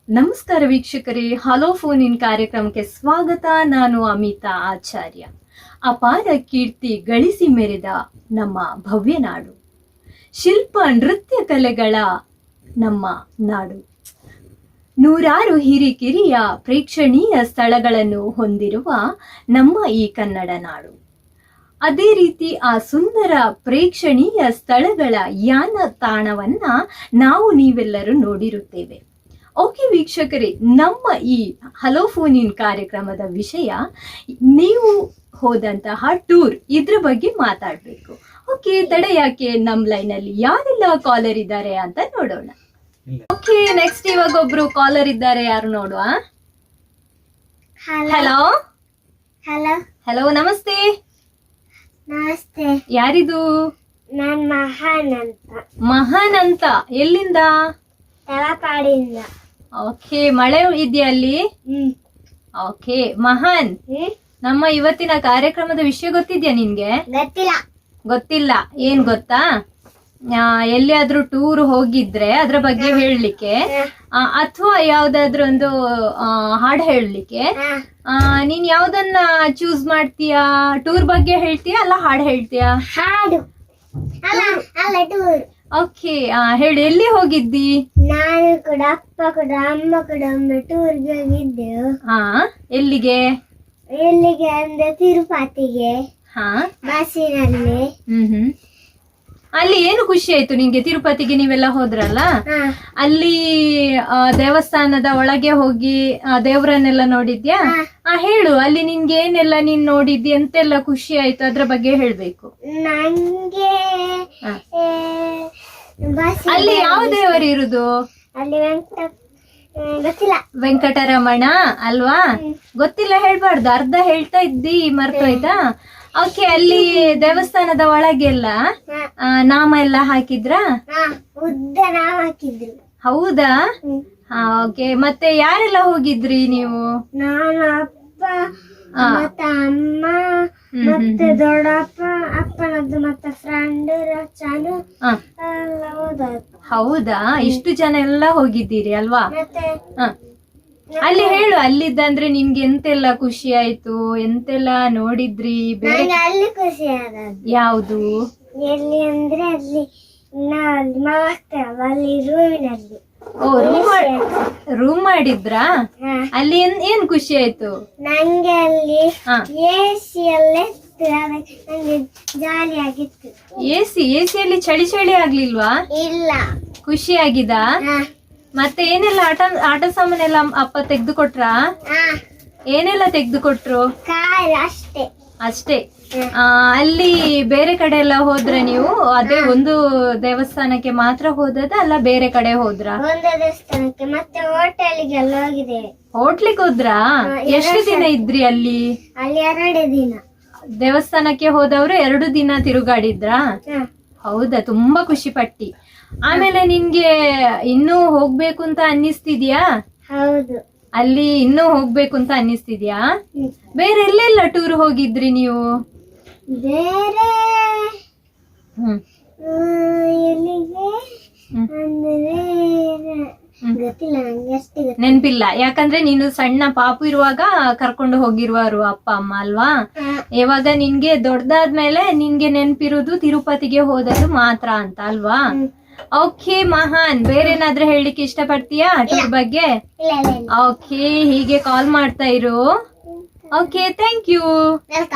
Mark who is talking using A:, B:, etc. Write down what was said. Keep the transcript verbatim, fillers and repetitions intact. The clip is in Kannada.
A: ನಮಸ್ಕಾರ ವೀಕ್ಷಕರೇ, ಹಲೋ ಫೋನ್ ಇನ್ ಕಾರ್ಯಕ್ರಮಕ್ಕೆ ಸ್ವಾಗತ. ನಾನು ಅಮಿತಾ ಆಚಾರ್ಯ. ಅಪಾರ ಕೀರ್ತಿ ಗಳಿಸಿ ಮೆರೆದ ನಮ್ಮ ಭವ್ಯ ನಾಡು, ಶಿಲ್ಪ ನೃತ್ಯ ಕಲೆಗಳ ನಮ್ಮ ನಾಡು, ನೂರಾರು ಹಿರಿಕಿರಿಯ ಪ್ರೇಕ್ಷಣೀಯ ಸ್ಥಳಗಳನ್ನು ಹೊಂದಿರುವ ನಮ್ಮ ಈ ಕನ್ನಡ ನಾಡು. ಅದೇ ರೀತಿ ಆ ಸುಂದರ ಪ್ರೇಕ್ಷಣೀಯ ಸ್ಥಳಗಳ ಯಾನ ತಾಣವನ್ನ ನಾವು ನೀವೆಲ್ಲರೂ ನೋಡಿರುತ್ತೇವೆ. ಓಕೆ ವೀಕ್ಷಕರೇ, ನಮ್ಮ ಈ ಹಲೋ ಫೋನ್ ಇನ್ ಕಾರ್ಯಕ್ರಮದ ವಿಷಯ ನೀವು ಹೋದಂತಹ ಟೂರ್, ಇದ್ರ ಬಗ್ಗೆ ಮಾತಾಡಬೇಕು. ಓಕೆ, ತಡೆ ಯಾಕೆ, ನಮ್ಮ ಲೈನಲ್ಲಿ ಯಾರೆಲ್ಲ ಕಾಲರ್ ಇದ್ದಾರೆ ಅಂತ ನೋಡೋಣ. ಓಕೆ, ನೆಕ್ಸ್ಟ್ ಇವಾಗ ಒಬ್ರು ಕಾಲರ್ ಇದ್ದಾರೆ, ಯಾರು ನೋಡುವ. ಹಲೋ
B: ಹಲೋ
A: ಹಲೋ ನಮಸ್ತೆ.
B: ನಮಸ್ತೆ.
A: ಯಾರಿದು?
B: ನಾನ್ ಮಹಾನ್ ಅಂತ.
A: ಮಹಾನ್ ಅಂತ. ಎಲ್ಲಿಂದ?
B: ತಲಕಾಡಿಂದ.
A: ಓಕೆ, ಮಳೆ ಇದೆಯಾ ಅಲ್ಲಿ?
B: ಹ್ಮ್
A: ಓಕೆ ಮಹಾನ್,
B: ಹ್ಮ್
A: ನಮ್ಮ ಇವತ್ತಿನ ಕಾರ್ಯಕ್ರಮದ ವಿಷಯ ಗೊತ್ತಿದ್ಯಾ ನಿನ್ಗೆ?
B: ಗೊತ್ತಿಲ್ಲ.
A: ಗೊತ್ತಿಲ್ಲ. ಏನ್ ಗೊತ್ತಾ, ಆ, ಎಲ್ಲಿಯಾದ್ರೂ ಟೂರ್ ಹೋಗಿದ್ರೆ ಅದ್ರ ಬಗ್ಗೆ ಹೇಳಲಿಕ್ಕೆ, ಅಥವಾ ಯಾವ್ದಾದ್ರು ಒಂದು ಆ, ಹಾಡು ಹೇಳಲಿಕ್ಕೆ,
B: ಹಾ,
A: ನೀನ್ ಯಾವ್ದನ್ನ ಚೂಸ್ ಮಾಡ್ತೀಯಾ? ಟೂರ್ ಬಗ್ಗೆ ಹೇಳ್ತೀಯಾ ಅಲ್ಲ ಹಾಡು ಹೇಳ್ತೀಯಾ?
B: ಹಾಡು. ಅಲ್ಲ ಅಲ್ಲ ಟೂರ್.
A: ಓಕೆ, ಹೇಳಿ, ಎಲ್ಲಿ ಹೋಗಿದ್ದಿ?
B: ನಾನು ಕೂಡ ಅಪ್ಪ ಕೂಡ ಅಮ್ಮ ಕೂಡ ಒಮ್ಮೆ ಟೂರ್ಗೆ ಹೋಗಿದ್ದೆವು.
A: ಹಾ, ಎಲ್ಲಿಗೆ?
B: ಎಲ್ಲಿಗೆ ಅಂದ್ರೆ ತಿರುಪತಿಗೆ,
A: ಹಾ,
B: ಬಸ್ಸಿನಲ್ಲಿ.
A: ಹ್ಮ್ ಹ್ಮ್ ಅಲ್ಲಿ ಏನು ಖುಷಿ ಆಯ್ತು ನಿನ್ಗೆ? ತಿರುಪತಿಗೆ ನೀವೆಲ್ಲ ಹೋದ್ರಲ್ಲ,
B: ಹಾ,
A: ಅಲ್ಲಿ ಆ, ದೇವಸ್ಥಾನದ ಒಳಗೆ ಹೋಗಿ ಆ, ದೇವರನ್ನೆಲ್ಲ ನೋಡಿದ್ಯಾ?
B: ಹಾ.
A: ಆ, ಹೇಳು, ಅಲ್ಲಿ ನಿನ್ಗೆ ಏನೆಲ್ಲ ನೀನ್ ನೋಡಿದ್ದಿ, ಎಂತೆಲ್ಲ ಖುಷಿ ಆಯ್ತು, ಅದ್ರ ಬಗ್ಗೆ ಹೇಳ್ಬೇಕು.
B: ನಂಗೆ
A: ಹಾ.
B: ಏ, ಬಸ್
A: ಅಲ್ಲಿ ಯಾವ ದೇವರು ಇರುದು?
B: ಅಲ್ಲಿ ವೆಂಕಟ ಏ, ಗೊತ್ತಿಲ್ಲ.
A: ವೆಂಕಟರಮಣ ಅಲ್ವಾ? ಗೊತ್ತಿಲ್ಲ ಹೇಳ್ಬಾರ್ದು, ಅರ್ಧ ಹೇಳ್ತಾ ಇದ್ದಿ, ಮರ್ತೋಯ್ತಾ? ಓಕೆ, ಅಲ್ಲಿ ದೇವಸ್ಥಾನದ ಒಳಗೆಲ್ಲ
B: ಹಾ,
A: ಆ, ನಾಮ ಎಲ್ಲ ಹಾಕಿದ್ರಾ?
B: ಹಾ, ಉದ್ದ ನಾವ್ ಹಾಕಿದ್ರು.
A: ಹೌದಾ?
B: ಹ್ಮ್.
A: ಹಾ, ಓಕೆ. ಮತ್ತೆ ಯಾರೆಲ್ಲ ಹೋಗಿದ್ರಿ ನೀವು?
B: ನಾನು ಅಪ್ಪ
A: ಹಾ.
B: ಮತ್ತೆ ಅಮ್ಮ
A: ಹ್ಮ್,
B: ಮತ್ತೆ ದೊಡ್ಡಪ್ಪ, ಅಪ್ಪನದ್ದು ಮತ್ತೆ ಫ್ರೆಂಡ್ ರಚನು
A: ಹಾ.
B: ಎಲ್ಲ ಹೋದದ್ದು.
A: ಹೌದಾ? ಇಷ್ಟು ಜನ ಎಲ್ಲ ಹೋಗಿದ್ದೀರಿ ಅಲ್ವಾ?
B: ಮತ್ತೆ
A: ಹ. ಅಲ್ಲಿ ಹೇಳು, ಅಲ್ಲಿದ್ದಂದ್ರೆ ನಿನ್ಗೆ ಎಂತೆಲ್ಲ ಖುಷಿ ಆಯ್ತು, ಎಂತೆಲ್ಲ ನೋಡಿದ್ರಿ? ಬೇರೆ
B: ನಂಗೆ ಅಲ್ಲಿ ಖುಷಿ ಆದದ್ದು.
A: ಯಾವುದು?
B: ಎಲ್ಲಿ ಅಂದ್ರೆ ಅಲ್ಲಿ ನಾವು ಅಲ್ಲಿ ಮಾಡ್ತೇವಲ್ಲ, ಅಲ್ಲಿ ರೂಮಿನಲ್ಲಿ.
A: ಓ, ರೂಮ್ ರೂಮ್ ಮಾಡಿದ್ರಾ?
B: ಹಾ.
A: ಅಲ್ಲಿ ಏನ್ ಏನ್ ಖುಷಿ ಆಯ್ತು?
B: ನಂಗೆ ಅಲ್ಲಿ
A: ಹಾ.
B: ಎ ಸಿ ಎಲ್ಲ ಇತ್ತು, ಅದಕ್ಕೆ ನಂಗೆ ಜಾಲಿ ಆಗಿತ್ತು.
A: ಎಸಿ ಎಸಿಯಲ್ಲಿ ಚಳಿ ಚಳಿ ಆಗ್ಲಿಲ್ವಾ?
B: ಇಲ್ಲ.
A: ಖುಷಿ ಆಗಿದಾ?
B: ಹಾ,
A: ಮತ್ತೆ ಏನೆಲ್ಲ ಆಟ ಆಟ ಸಾಮಾನೆಲ್ಲ ಅಪ್ಪ ತೆಗ್ದು ಕೊಟ್ರಾ?
B: ಹಾ,
A: ಏನೆಲ್ಲ ತೆಗ್ದು ಕೊಟ್ರು?
B: ಕಾರ್ ಅಷ್ಟೇ.
A: ಅಷ್ಟೇ. ಆ, ಅಲ್ಲಿ ಬೇರೆ ಕಡೆ ಎಲ್ಲ ಹೋದ್ರೆ ನೀವು ಅದೇ ಒಂದು ದೇವಸ್ಥಾನಕ್ಕೆ ಮಾತ್ರ ಹೋದದ ಅಲ್ಲ ಬೇರೆ ಕಡೆ ಹೋದ್ರ?
B: ಒಂದು ದೇವಸ್ಥಾನಕ್ಕೆ ಮತ್ತೆ ಹೋಟೆಲ್ಗೆಲ್ಲ ಹೋಗಿದ್ದೇವೆ.
A: ಹೋಟ್ಲಿಗೆ ಹೋದ್ರಾ?
B: ಹಾ,
A: ಎಷ್ಟು
B: ಎರಡು
A: ದಿನ ಇದ್ರಿ ಅಲ್ಲಿ?
B: ಅಲ್ಲಿ ಎರಡೇ ದಿನ.
A: ದೇವಸ್ಥಾನಕ್ಕೆ ಹೋದವ್ರು ಎರಡು ದಿನ ತಿರುಗಾಡಿದ್ರಾ?
B: ಹಾ,
A: ಹೌದಾ? ತುಂಬಾ ಖುಷಿ ಪಟ್ಟಿ. ಆಮೇಲೆ ನಿನ್ಗೆ ಇನ್ನೂ ಹೋಗ್ಬೇಕು ಅಂತ ಅನ್ನಿಸ್ತಿದ್ಯಾ?
B: ಹೌದು.
A: ಅಲ್ಲಿ ಇನ್ನೂ ಹೋಗ್ಬೇಕು ಅಂತ ಅನ್ನಿಸ್ತಿದ್ಯಾ?
B: ಹ್ಮ್.
A: ಬೇರೆ ಎಲ್ಲೆಲ್ಲ ಟೂರ್ ಹೋಗಿದ್ರಿ ನೀವು?
B: ಬೇರೆ
A: ಹ್ಮ್
B: ಆ, ಎಲ್ಲಿಗೆ
A: ಹ್ಮ್.
B: ಅಂದ್ರೆ
A: ಹ್ಮ್.
B: ಗೊತ್ತಿಲ್ಲ ನಂಗೆ, ಅಷ್ಟೇ ಗೊತ್ತಿಲ್ಲ.
A: ನೆನ್ಪಿಲ್ಲ, ಯಾಕಂದ್ರೆ ನೀನು ಸಣ್ಣ ಪಾಪು ಇರುವಾಗ ಕರ್ಕೊಂಡು ಹೋಗಿರುವರು ಅಪ್ಪ ಅಮ್ಮ ಅಲ್ವಾ?
B: ಹಾ,
A: ಇವಾಗ ನಿನ್ಗೆ ದೊಡ್ಡದಾದ್ಮೇಲೆ ನಿನ್ಗೆ ನೆನ್ಪಿರುವುದು ತಿರುಪತಿಗೆ ಹೋದದ್ದು ಮಾತ್ರ ಅಂತ ಅಲ್ವಾ?
B: ಹ್ಮ್.
A: ಓಕೆ ಮಹಾನ್, ಬೇರೆ ಏನಾದ್ರೂ ಹೇಳಲಿಕ್ಕೆ ಇಷ್ಟಪಡ್ತೀಯಾ ಟೂರ್ ಬಗ್ಗೆ?
B: ಇಲ್ಲ ಇಲ್ಲ ಇಲ್ಲ.
A: ಓಕೆ, ಹೀಗೆ ಕಾಲ್ ಮಾಡ್ತಾ ಇರು. Okay, thank you.
B: ವೆಲ್ಕಮ್.